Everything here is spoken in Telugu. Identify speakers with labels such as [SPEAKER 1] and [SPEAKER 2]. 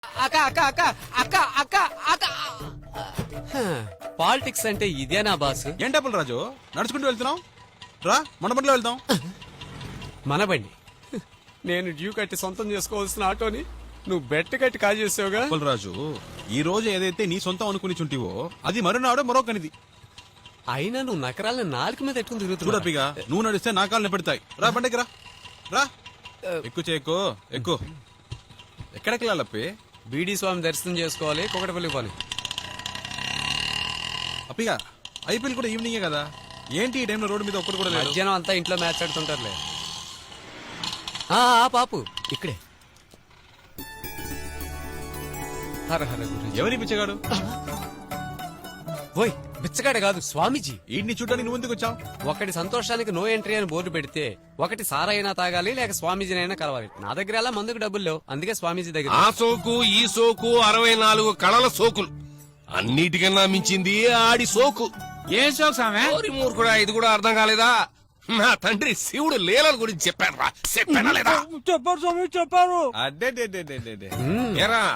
[SPEAKER 1] అక్క అక్క అక్క అక్క అక్క అక్క పాలిటిక్స్ అంటే ఇదేనా బాస్?
[SPEAKER 2] ఏం డబ్బులు రాజు నడుచుకుంటూ వెళ్తున్నాం రా మన బండిలో వెళ్తాం.
[SPEAKER 1] మన బండి. నేను డ్యూ కట్టి సొంతం చేసుకోవాల్సిన ఆటోని నువ్వు బెట్ట కట్టి కాజేసావుగా.
[SPEAKER 2] డబ్బులు రాజు ఈ రోజు ఏదైతే నీ సొంతం అనుకుని చుంటివో అది మరునాడు మరొకనిది.
[SPEAKER 1] అయినా నువ్వు నకరాలను నాలుగు మీద ఎట్టుకుని తిరుగుతున్నావు.
[SPEAKER 2] చూడపిగా నువ్వు నడిస్తే నా కాళ్ళని పెడతాయి. రా బండికి రా రా ఎక్కు చేయకు ఎక్కు. ఎక్కడికి వెళ్ళాలప్పి?
[SPEAKER 1] బీడీ స్వామి దర్శనం చేసుకోవాలి, కుకటపల్లి పోని.
[SPEAKER 2] అప్పిగా ఐపీఎల్ కూడా ఈవినింగే కదా, ఏంటి ఈ టైంలో రోడ్డు మీద ఒక్కడు కూడా లేదు?
[SPEAKER 1] మధ్యాహ్నం అంతా ఇంట్లో మ్యాచ్ ఆడుతుంటారులే. పాపు ఇక్కడే. హర హర గురు.
[SPEAKER 2] ఎవరి పిచ్చగాడు?
[SPEAKER 1] ఓయ్ బిచ్చగాడే కాదు, స్వామీజీ.
[SPEAKER 2] ఈడ్ని చూడడానికి నువ్వు ఎందుకు వచ్చావు?
[SPEAKER 1] ఒకటి సంతోషానికి నో ఎంట్రీ అని బోర్డు పెడితే ఒకటి సారైనా తాగాలి లేక స్వామీజీనైనా కలవాలి. నా దగ్గర అలా మందుకు డబ్బులు లేవు, అందుకే స్వామీజీ దగ్గర.
[SPEAKER 3] ఆ సోకు ఈ సోకు 64 కళల సోకులు, అన్నిటికన్నా మించింది ఆడి సోకు.
[SPEAKER 4] ఏం సోకు సామె?
[SPEAKER 3] ఓరి మూర్ఖుడా, ఇది కూడా అర్థం కాలేదా? నా తండ్రి శివుడు లీలల గురించి చెప్పాను రా, చెప్పానా లేదా?
[SPEAKER 4] చెప్పారు స్వామి చెప్పారు.
[SPEAKER 2] అడ్డే
[SPEAKER 3] ఏరా